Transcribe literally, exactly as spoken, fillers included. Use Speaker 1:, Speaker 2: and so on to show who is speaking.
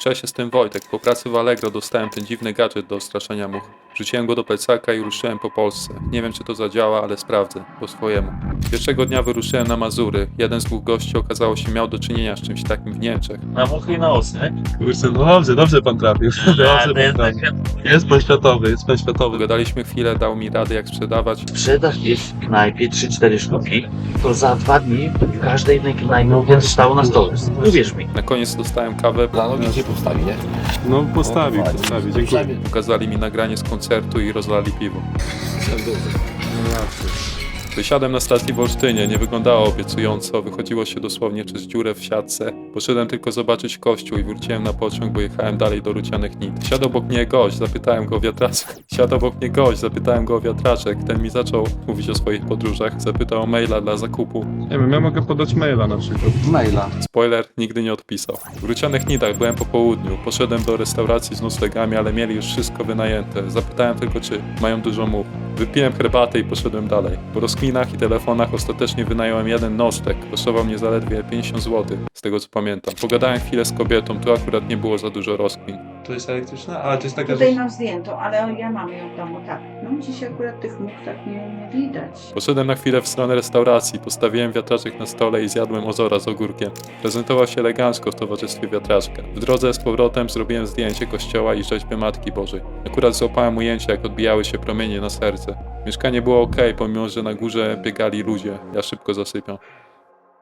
Speaker 1: Cześć, jestem Wojtek. Po pracy w Allegro dostałem ten dziwny gadżet do straszenia much. Wrzuciłem go do plecaka i ruszyłem po Polsce. Nie wiem, czy to zadziała, ale sprawdzę. Po swojemu. Pierwszego dnia wyruszyłem na Mazury. Jeden z dwóch gości okazało się miał do czynienia z czymś takim w Niemczech.
Speaker 2: Na muchy i na osy, nie?
Speaker 3: Kurczę, no dobrze, dobrze pan trafił. Dobrze pan trafił. Jest pan światowy, jest pan światowy.
Speaker 1: Pogadaliśmy chwilę, dał mi rady jak sprzedawać.
Speaker 2: Sprzedaż jest w knajpie trzy cztery sztuki, to za dwa dni w każdej jednej knajpie będzie stało na stole. Uwierz mi.
Speaker 1: Na koniec dostałem kawę.
Speaker 4: Dla nogi cię postawi, nie?
Speaker 3: No postawił, postawił, dziękuję.
Speaker 1: Pokazali mi nagranie z koncertu i rozlali piwo. Wysiadłem na stacji w Olsztynie, nie wyglądało obiecująco, wychodziło się dosłownie przez dziurę w siatce. Poszedłem tylko zobaczyć kościół i wróciłem na pociąg, bo jechałem dalej do Rucianych Nit. Siadł obok mnie gość, zapytałem go o wiatraczek. Siadł obok mnie gość, zapytałem go o wiatraczek. Ten mi zaczął mówić o swoich podróżach, zapytał o maila dla zakupu.
Speaker 3: Nie wiem, ja mogę podać maila na przykład.
Speaker 4: Maila.
Speaker 1: Spoiler, nigdy nie odpisał. W Rucianych Nitach byłem po południu, poszedłem do restauracji z noclegami, ale mieli już wszystko wynajęte. Zapytałem tylko, czy mają dużo much. Wypiłem herbatę i poszedłem dalej. Po rozkminach i telefonach ostatecznie wynająłem jeden nocleg. Kosztował mnie zaledwie pięćdziesiąt złotych, z tego co pamiętam. Pogadałem chwilę z kobietą, tu akurat nie było za dużo rozkmin.
Speaker 3: To jest elektryczna? Ale to jest taka
Speaker 5: Tutaj mam zdjętą, ale ja mam ją w domu, tak. No dziś akurat tych much tak nie, nie widać.
Speaker 1: Poszedłem na chwilę w stronę restauracji, postawiłem wiatraczek na stole i zjadłem ozora z ogórkiem. Prezentował się elegancko w towarzystwie wiatraczka. W drodze z powrotem zrobiłem zdjęcie kościoła i rzeźby Matki Bożej. Akurat złapałem ujęcie, jak odbijały się promienie na serce. Mieszkanie było ok, pomimo że na górze biegali ludzie. Ja szybko zasypiam.